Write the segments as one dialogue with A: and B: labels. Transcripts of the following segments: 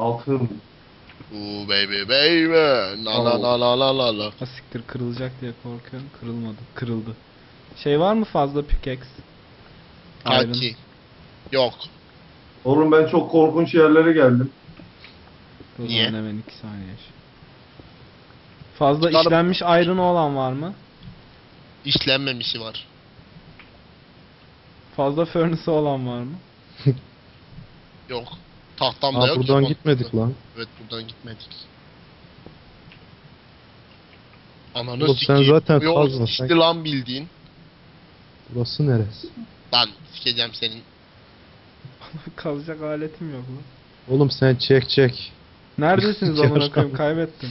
A: Altın.
B: Ooh baby baby. La la la la la la la.
C: Ha siktir, kırılacak diye korkuyorum. Kırılmadı. Kırıldı. Şey var mı fazla pickaxe? Iron.
B: Kanki. Yok.
A: Oğlum ben çok korkunç yerlere geldim.
C: O
B: Niye?
C: zaman hemen 2 saniye yaş. Fazla
B: Çıkarım.
C: işlenmiş iron olan var mı?
B: İşlenmemişi var.
C: Fazla furnace olan var mı?
B: Yok. Tahtam da
D: Aa,
B: yok.
D: buradan
B: ki.
D: gitmedik lan.
B: Evet buradan gitmedik. Ananı
D: Oğlum sen
B: sikeyim.
D: zaten
B: Bu yol
D: kazma,
B: şişti
D: sen-
B: lan bildiğin.
D: Burası neresi?
B: Lan sikeceğim senin.
C: Kazacak aletim yok lan.
D: Oğlum sen çek.
C: Neredesiniz amına
D: Yarışma.
C: koyayım, kaybettim.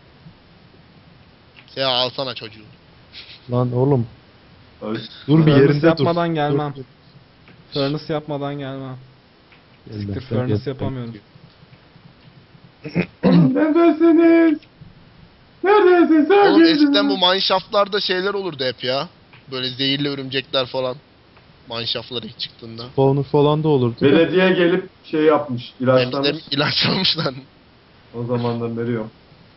B: Sen alsana çocuğu.
D: Lan oğlum
A: Ay.
D: dur bir
C: Furnace
D: yerinde dur.
C: yapmadan gelmem.
D: Dur.
C: Furnace yapmadan gelmem. Siktir,
D: Gelmezsen
C: furnace
D: gel.
C: yapamıyorum.
A: Oğlum neredesiniz? Neredesin sen?
B: Oğlum
A: Geldin
B: eskiden
A: mi?
B: bu mineshaft'larda şeyler olurdu hep ya. Böyle zehirli örümcekler falan. Mineshaft'lara ilk çıktığında.
D: Spawner falan da olurdu.
A: Belediye gelip şey yapmış,
B: Hem
A: ilaçlamış.
B: de ilaçlamış lan.
A: O zamandan beri yok.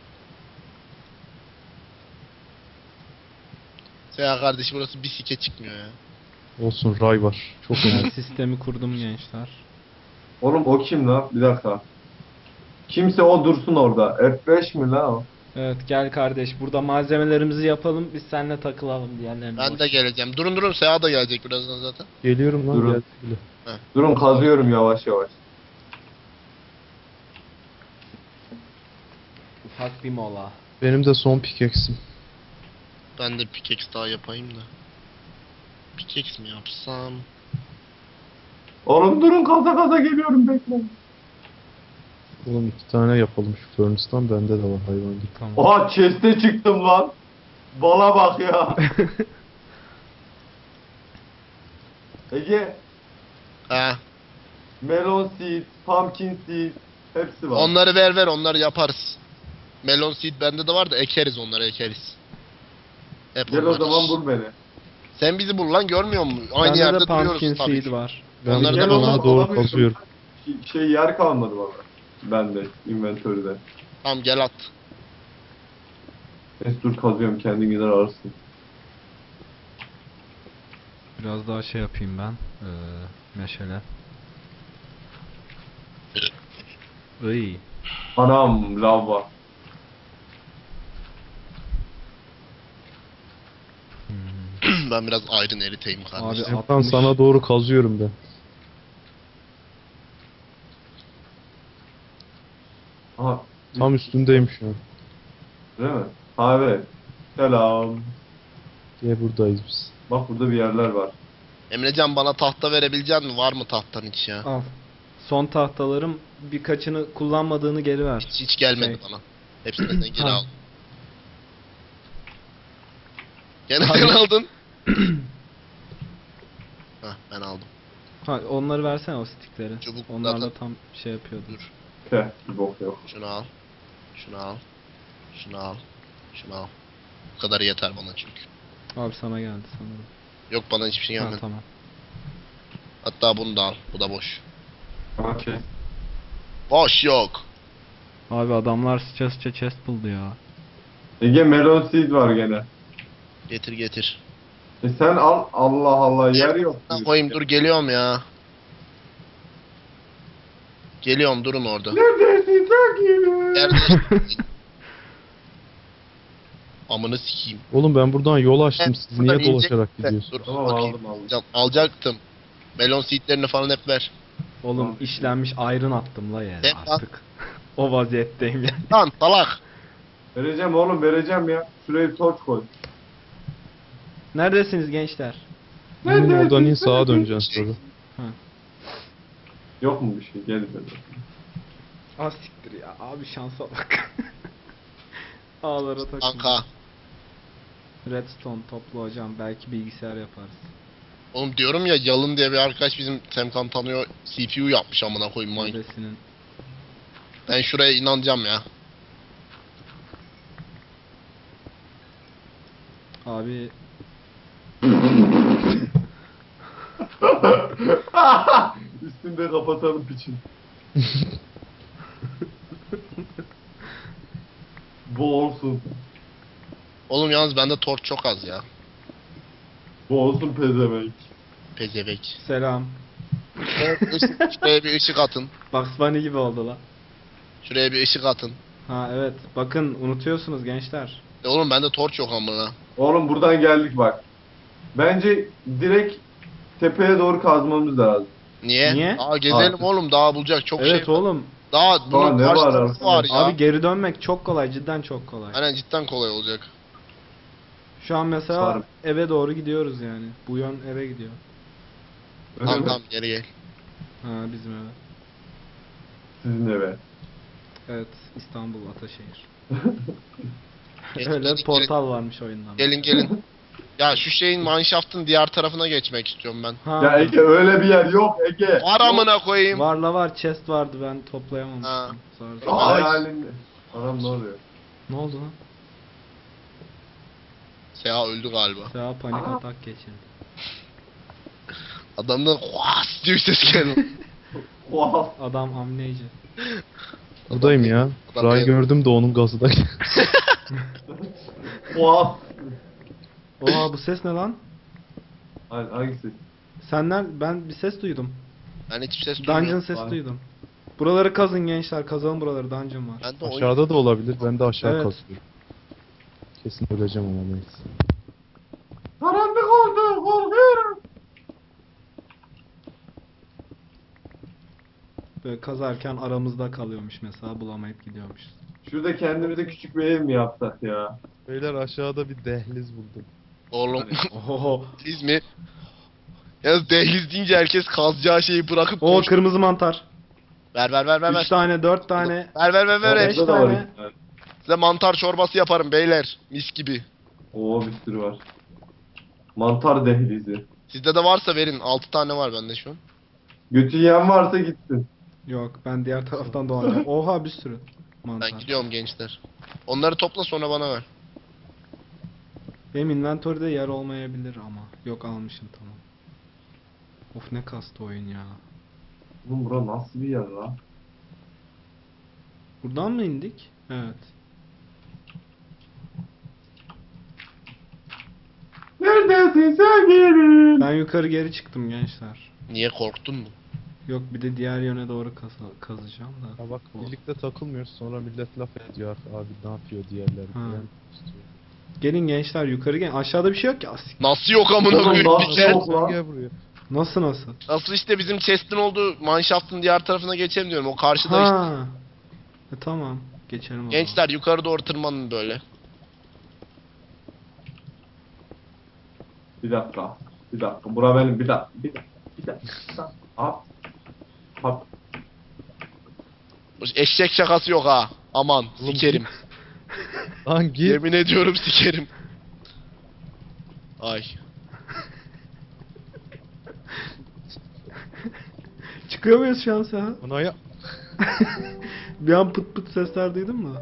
B: Seha kardeş burası bir sike çıkmıyor ya.
D: Olsun ray var. Çok
C: Ben
D: önemli.
C: sistemi kurdum gençler.
A: Oğlum o kim lan? Bir dakika. Kimse o dursun orada. F5 mi lan o?
C: Evet gel kardeş, burada malzemelerimizi yapalım, biz seninle takılalım diyenlerin.
B: Ben de geleceğim. Durun Seha da gelecek birazdan zaten.
D: Geliyorum lan
A: Durun.
D: geldi bile.
A: Durun kazıyorum yavaş yavaş.
C: Ufak bir mola.
D: Benim de son pickaxe'im.
B: Ben de pickaxe daha yapayım da. Pickaxe mi yapsam?
A: Oğlum durun kaza kaza geliyorum bekle.
D: Oğlum 2 tane yapalım şu furnace'dan, bende de var hayvan gibi.
C: Tamam.
A: Oha chest'e çıktım lan. Bala bak ya. Ege,
B: Ha.
A: melon seed, pumpkin seed hepsi var.
B: Onları ver onları yaparız. Melon seed bende de var da ekeriz onları ekeriz. Hep
A: Gel o
B: onlar.
A: zaman bul beni.
B: Sen bizi bul lan görmüyor musun? Aynı
C: Bende
B: yerde
C: de pumpkin
B: duruyoruz tabii.
C: seed var.
D: Ben
B: Onları
A: Gel
B: da
A: o
B: bana
A: zaman
D: bana doğru
A: alamıyorum.
D: kazıyorum.
A: Şey yer kalmadı bana. Bende, inventörde.
B: Tamam gel at.
A: Neyse dur kazıyorum kendin gider alırsın.
C: Biraz daha şey yapayım ben. Meşale. Iy.
A: Anam lava.
C: Hmm.
B: Ben biraz iron eriteyim kardeşim.
C: Abi
D: Serkan
C: 60.
D: sana doğru kazıyorum ben.
A: Aha.
D: Tam üstündeyim şu an.
A: Değil mi? Ha evet. Selam.
D: Diye buradayız biz.
A: Bak burada bir yerler var.
B: Emrecan bana tahta verebilecek misin? Var mı tahtan hiç ya?
C: Al. Son tahtalarım, birkaçını kullanmadığını geri ver.
B: Hiç gelmedi
C: Şey.
B: bana. Hepsinden geri
C: Ha.
B: al. Gene sen aldın. Hah ben aldım.
C: Ha, onları versene, o stickleri.
B: Çubuk
C: Onlarla
B: zaten-
C: tam şey yapıyordu.
B: Dur.
A: Teh bir bok yok.
B: Şunu al. Şunu al. Şunu al. Şunu al. Bu kadar yeter bana çünkü.
C: Abi sana geldi sanırım.
B: Yok bana hiçbir şey
C: Ha,
B: gelmedi.
C: tamam.
B: Hatta bunu da al. Bu da boş.
A: Okey.
B: Boş yok.
C: Abi adamlar sıça sıça chest buldu ya.
A: Ege melon seed var gene.
B: Getir getir.
A: Sen al Allah Allah yer yok.
B: Ha, koyayım dur geliyorum ya. Geliyorum durun orada.
A: Neredesin sen?
B: Nerede? Amını sikeyim.
D: Oğlum ben buradan yol açtım, siz
B: Buradan
D: niye
B: inecek-
D: dolaşarak
B: Dur
D: gidiyorsunuz?
A: Tamam
B: bakayım.
A: aldım.
B: Alacağım, alacaktım. Melon seedlerini falan hep ver.
C: Oğlum
A: Tamam.
C: işlenmiş iron attım la yere
B: Sen
C: artık. O vaziyetteyim yani.
B: Lan salak.
A: Vereceğim oğlum vereceğim ya. Şuraya bir torç koy.
C: Neredesiniz gençler?
D: Oğlum oradan in sağa döneceksin sonra.
A: Yok mu bir şey? Gel dedi.
C: Ah siktir ya, abi şansa bak. Ağlara takıldım.
B: Kanka.
C: Redstone toplu hocam, belki bilgisayar yaparız.
B: Oğlum diyorum ya Yalın diye bir arkadaş bizim Semkan tanıyor. CPU yapmış amına koyayım Minecraft.
C: Neredesinin?
B: Ben şuraya inanacağım ya.
C: Abi
A: Üstünde kapatalım piçin. Bu olsun.
B: Oğlum yalnız bende torç çok az ya.
A: Bu olsun pezevenk.
B: Pezevek.
C: Selam.
B: Şuraya bir ışık atın.
C: Bugs Bunny gibi oldu la.
B: Şuraya bir ışık atın.
C: Ha evet. Bakın unutuyorsunuz gençler.
B: Oğlum bende torç yok amına.
A: Oğlum buradan geldik bak. Bence direkt tepeye doğru kazmamız lazım.
B: Niye?
C: Niye?
B: Aa gezelim
A: Abi.
B: oğlum, daha bulacak çok
C: Evet
B: şey var.
C: oğlum.
B: Daha bunun
A: ne var
B: karşılığı
A: aslında?
B: var ya.
C: Abi geri dönmek çok kolay. Cidden çok kolay.
B: Aynen, cidden kolay olacak.
C: Şu an mesela
A: Sarım.
C: eve doğru gidiyoruz yani. Bu yön eve gidiyor.
A: Öyle
B: Tamam
A: mi?
B: tamam, geri gel.
C: Ha bizim eve.
A: Sizin eve.
C: Evet, İstanbul Ataşehir.
B: Geç,
C: Öyle
B: gelin,
C: bir portal varmış oyundan.
B: Gelin gelin. Ya şu şeyin mineshaft'ın diğer tarafına geçmek istiyorum ben.
C: Ha,
A: Ya Ege öyle bir yer yok Ege.
B: Var amına koyayım.
C: var la var, chest vardı ben toplayamamıştım.
B: Ha.
C: Sonra-
B: Ay.
A: Hayalinde. Anam ne oluyor?
C: Ne oldu lan?
B: Seha öldü galiba.
C: Seha panik atak geçirdi.
B: Adamdan "Huas" diye ses geldi.
A: Wow.
C: Adam amneci.
D: Buradayım ya.
B: Adam
D: Ray
B: bir-
D: gördüm de onun gazı da.
A: Wow.
C: Oha bu ses ne lan?
A: Hangisi?
C: Senden ben bir ses duydum.
B: Ben hiçbir ses
C: Dungeon
B: duymuyorum.
C: sesi
A: Var.
C: duydum. Buraları kazın gençler, kazalım buraları, dungeon var.
B: Ben de oyun...
D: Aşağıda da olabilir. Ben de aşağı
C: Evet.
D: kazıyorum. Kesin öleceğim ama neyse.
A: Karanlık oldu. Korkuyorum.
C: Böyle kazarken aramızda kalıyormuş mesela, bulamayıp gidiyormuşuz.
A: Şurada kendimize küçük bir ev mi yapsak ya?
D: Beyler aşağıda bir dehliz buldum.
B: Oğlum
C: Oho.
B: dehliz mi? Yalnız dehliz deyince herkes kazacağı şeyi bırakıp
C: O
B: koş.
C: kırmızı mantar.
B: Ver ver ver ver
C: 3
B: ver.
C: tane, 4 tane.
B: Ver ver ver ver.
C: Beş
A: Orada da var
C: tane.
A: iki tane.
B: Size mantar çorbası yaparım beyler. Mis gibi.
A: Oo bir sürü var. Mantar dehlizi.
B: Sizde de varsa verin. 6 tane var bende şu an.
A: Götü yiyen varsa gitsin.
C: Yok, ben diğer taraftan dolanacağım. Oha bir sürü mantar.
B: Ben gidiyorum gençler. Onları topla sonra bana ver.
C: Benim inventory'de yer olmayabilir ama. Yok, almışım tamam. Of ne kastı oyun ya.
A: Oğlum bura nasıl bir yer lan?
C: Buradan mı indik? Evet.
A: Neredesin sevgilim?
C: Ben yukarı geri çıktım gençler.
B: Niye, korktun mu?
C: Yok, bir de diğer yöne doğru kazacağım da.
D: Ya bak
C: O-
D: birlikte takılmıyoruz sonra millet laf ediyor. Abi ne yapıyor diğerleri
C: Ha.
D: falan istiyor.
C: Gelin gençler yukarı gelin. Aşağıda bir şey yok ki.
B: Nasıl yok amına
A: Oğlum,
B: koyayım?
A: nasıl
B: Bir kere-
A: yok?
D: Sen gel buraya.
C: Nasıl?
B: Nasıl işte bizim chest'in olduğu mineshaft'ın diğer tarafına geçelim diyorum. O karşıda işte.
C: Ha. Tamam. Geçelim o zaman.
B: Gençler yukarı doğru tırmanın böyle.
A: Bir dakika. Bir dakika. Bura benim. Bir dakika. Bir dakika. Bir dakika. Hop. Hop.
B: Eşek şakası yok ha. Aman
D: Oğlum,
B: sikerim.
D: Lan git.
B: Yemin ediyorum sikerim. Ay.
C: Çıkıyor muyuz şu an Seha?
D: Ona ya.
C: Bir an pıt pıt sesler duydun mu?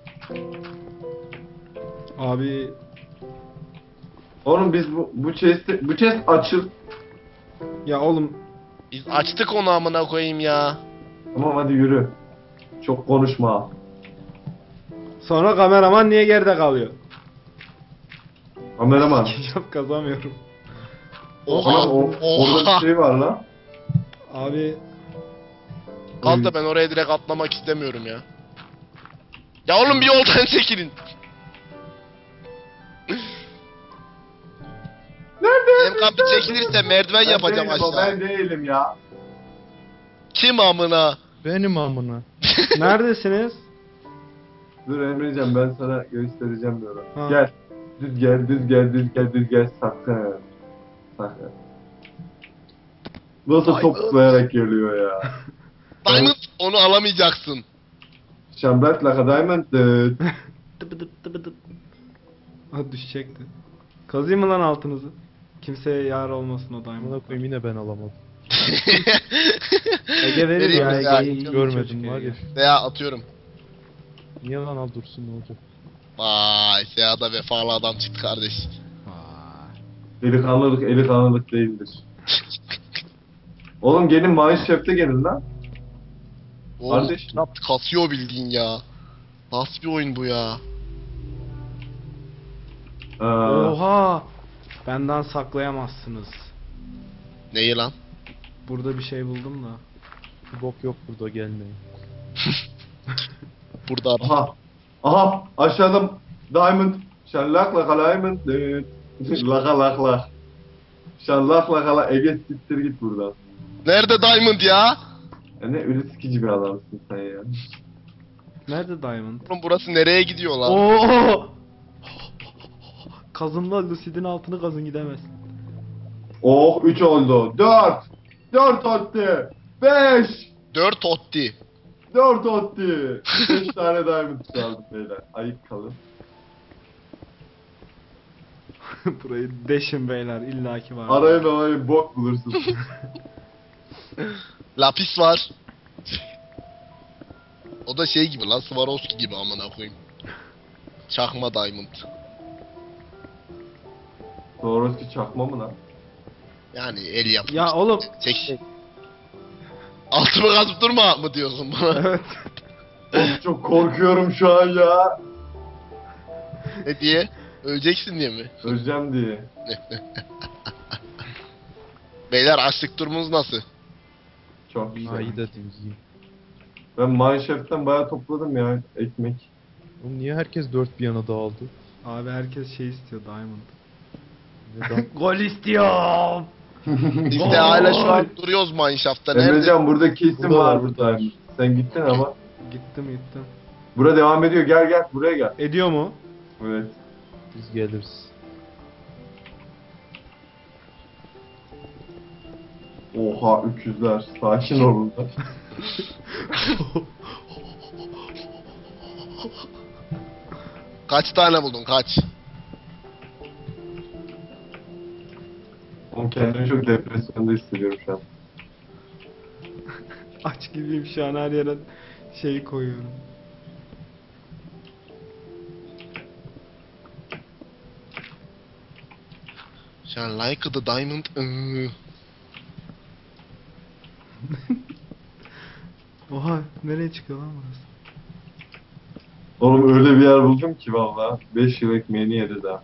C: Abi
A: Oğlum biz bu chest açıl.
C: ya oğlum
B: Biz açtık onu amına koyayım ya.
A: Tamam hadi yürü. Çok konuşma.
C: sonra kameraman niye geride kalıyor?
A: Kameraman.
C: Ketçap kazamıyorum.
B: Oha.
A: Oha, orada
B: Oha.
A: bir şey var lan.
C: Abi
B: Kalk da ben oraya direkt atlamak istemiyorum ya. Ya oğlum bir yoldan çekilin.
A: Nerede?
B: Emkan bir çekilirse merdiven yapacağım
A: değilim, o,
B: aşağı.
A: ben değilim ya.
B: Kim amına?
D: Benim amına.
C: neredesiniz?
A: Dur Emrecan ben sana göstereceğim böyle.
C: Ha.
A: Gel. Düz gel, düz gel, düz gel, düz gel. Sakın. Sakın. Nasıl
B: Ay,
A: topuklayarak geliyor ya.
B: Diamond, onu alamayacaksın.
A: Şambret like a diamond.
C: Tıpı tıp tıpı tıp. Ha düşecekti. Kazıyım mı lan altınızı? Kimseye yar olmasın o diamond.
D: Amına koyayım yine ben alamadım.
C: Ege verir
B: Vereyim
C: ya.
B: mi ya?
C: Ege'yi iyi
D: Görmedim
C: çocuk
D: var
C: Ege.
D: ya.
B: Veya atıyorum.
D: Niye lan al dursun ne olacak?
B: Vay, Seya'da vefalı adam çıktı kardeş.
C: Vay.
A: Eli kanlılık değildir. Oğlum gelin Mineshaft'e gelin lan.
B: Oğlum
A: Kardeş.
B: knap kasıyor bildiğin ya. Nasıl bir oyun bu ya?
C: Oha! Benden saklayamazsınız.
B: Neyi lan?
C: Burada bir şey buldum da.
D: Bir bok yok burada, gelmeyin.
B: Burada ara.
A: Aha. Aha. Aşağıda diamond. Şallak laka diamond. Laka lak lak. Şallak laka lak. Ege siktir git buradan.
B: Nerede Diamond ya?
A: Ya ne ölü sikici bir adamsın sen ya.
C: Nerede Diamond?
B: Oğlum burası nereye gidiyor lan?
C: Oo! Kazınla Lucid'in altını kazın gidemez.
A: Oh 3 oldu. 4. 4 attı. 5.
B: 4 otti.
A: 4 attı. 5 tane diamond kaldı beyler. Ayık kalın.
C: Burayı deşin beyler illaki var.
A: Arayın bok bulursun.
B: Lapis var. O da şey gibi lan, Swarovski gibi amına koyayım. Çakma Diamond.
A: Doğrusu çakma mı lan?
B: Yani el yapmış.
C: Ya oğlum.
B: Çek. Altımı kazıp durma mı diyorsun bana?
C: Evet.
A: Of, çok korkuyorum şu an ya.
B: Ne diye? Öleceksin diye mi?
A: Öleceğim diye.
B: Beyler açlık durumunuz nasıl?
A: Çok güzel.
D: Ayı da dingiyim.
A: Ben Mineshaft'ten bayağı topladım ya ekmek.
D: Oğlum niye herkes dört bir yana dağıldı?
C: Abi herkes şey istiyor Diamond.
D: Neden?
C: Gol istiyorum.
B: Biz de hala şu an duruyoruz Mineshaft'ta. Nerede?
A: Emrecan burada kesin
D: Burada
A: var
D: var,
A: burada. Sen gittin ama.
C: Gittim.
A: Bura devam ediyor. Gel buraya gel.
C: Ediyor mu?
A: Evet.
D: Biz geliriz.
A: Oha 300'ler. Sakin olun da.
B: Kaç tane buldun kaç?
A: Oğlum kendimi çok depresyonda hissediyorum şu an.
C: Aç gibiyim şu an her yere şey koyuyorum.
B: Sen like the diamond.
C: Oha nereye çıkıyor lan burası?
A: Oğlum öyle bir yer buldum ki valla. 5 yıl ekmeğini yedi daha.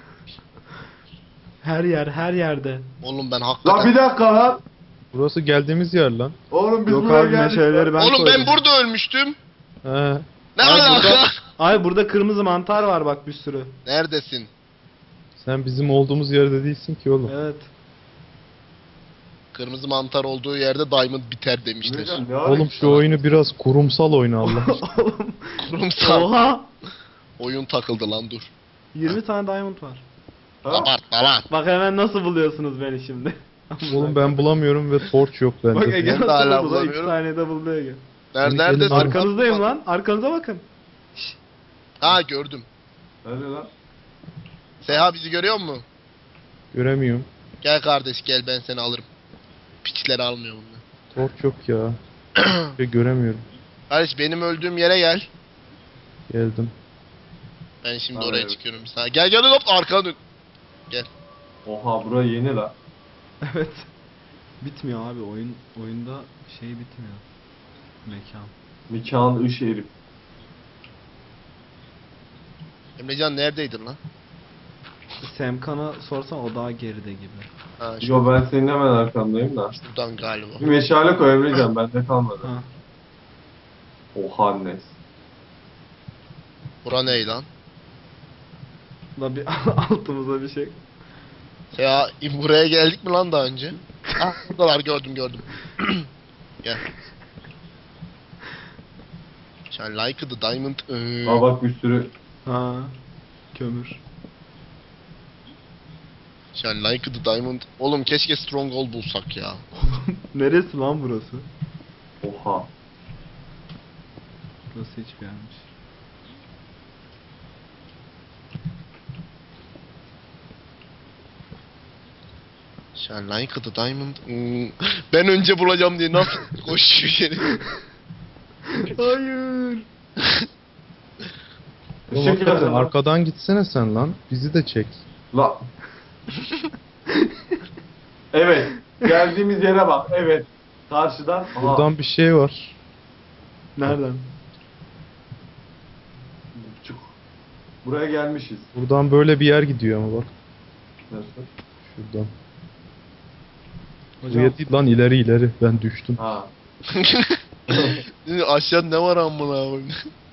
C: Her yerde.
B: Oğlum ben
A: Lan
B: hakikaten...
A: bir dakika lan.
D: Burası geldiğimiz yer lan.
A: Oğlum biz
C: Yok
A: buraya
C: abi
A: geldik.
C: meşaleleri ben
B: Oğlum
C: koydum.
B: ben burada ölmüştüm.
D: He.
B: Ne
C: Ay,
B: alaka?
C: burada- Ay burada kırmızı mantar var bak bir sürü.
B: Neredesin?
D: Sen bizim olduğumuz yerde değilsin ki oğlum.
C: Evet.
B: Kırmızı mantar olduğu yerde diamond biter demişler.
A: Emrecan, ne
D: Oğlum
A: arıyorsun
D: şu
A: lan?
D: oyunu biraz kurumsal oyna Allah aşkına.
C: Oğlum.
B: Kurumsal.
C: Oha.
B: Oyun takıldı lan dur.
C: 20 tane diamond var.
A: Ha?
B: Abartma lan.
C: Bak hemen nasıl buluyorsunuz beni şimdi.
D: Oğlum ben bulamıyorum ve torch yok
C: Bak
D: bende.
C: Ege
B: Ben de
C: nasıl
B: hala
C: buldu? 2
B: bulamıyorum.
C: saniyede buldu Ege.
B: Neredesin?
C: Arkanızdayım lan. Arkanıza bakın. Şşş.
B: Ha gördüm.
A: Nerede lan?
B: Seha bizi görüyor mu?
D: Göremiyorum.
B: Gel kardeş gel ben seni alırım. Piçleri almıyor bunlar.
D: Torch yok ya. Ve göremiyorum.
B: Kardeş benim öldüğüm yere gel.
D: Geldim.
B: Ben şimdi
A: Ha,
B: oraya
A: evet.
B: çıkıyorum. Sana. Gel hop arkana dön.
A: Oha bura yeni lan.
C: Evet. Bitmiyor abi oyunda şey bitmiyor. Mekan.
A: Mekan ışığı herif.
B: Emrecan neredeydin lan?
C: Semkan'a sorsan o daha geride gibi.
B: Ha
A: Yo ben senin hemen arkandayım da.
B: şuradan galiba.
A: Bir meşale koy Emrecan bende kalmadı.
C: Ha.
A: Oha annes.
B: Bura ne lan?
C: Da bir altımıza bir şey.
B: Seha buraya geldik mi lan daha önce? Ah buradalar gördüm. Gel. Sen like the diamond.
A: Aa bak bir sürü.
C: Ha. Kömür.
B: Sen like the diamond. Oğlum keşke stronghold bulsak ya.
C: Neresi lan burası?
A: Oha.
C: Burası hiçbir yermiş.
B: Sen like the diamond. Ben önce bulacağım diye nasıl koşuyor yeri.
C: Hayır.
D: Oğlum
A: Işık
D: hakikaten
A: yakın lan.
D: arkadan gitsene sen lan. Bizi de çek.
A: La. Evet. Geldiğimiz yere bak. Evet. Karşıdan. Aha.
D: Buradan bir şey var.
C: Nereden?
A: Çık. Buraya gelmişiz.
D: Buradan böyle bir yer gidiyor ama bak.
A: Nasıl?
D: Şuradan.
C: Hocam
D: Buraya değil lan, ileri ileri. Ben düştüm.
A: Ha.
B: Aşağı ne var amına koyayım?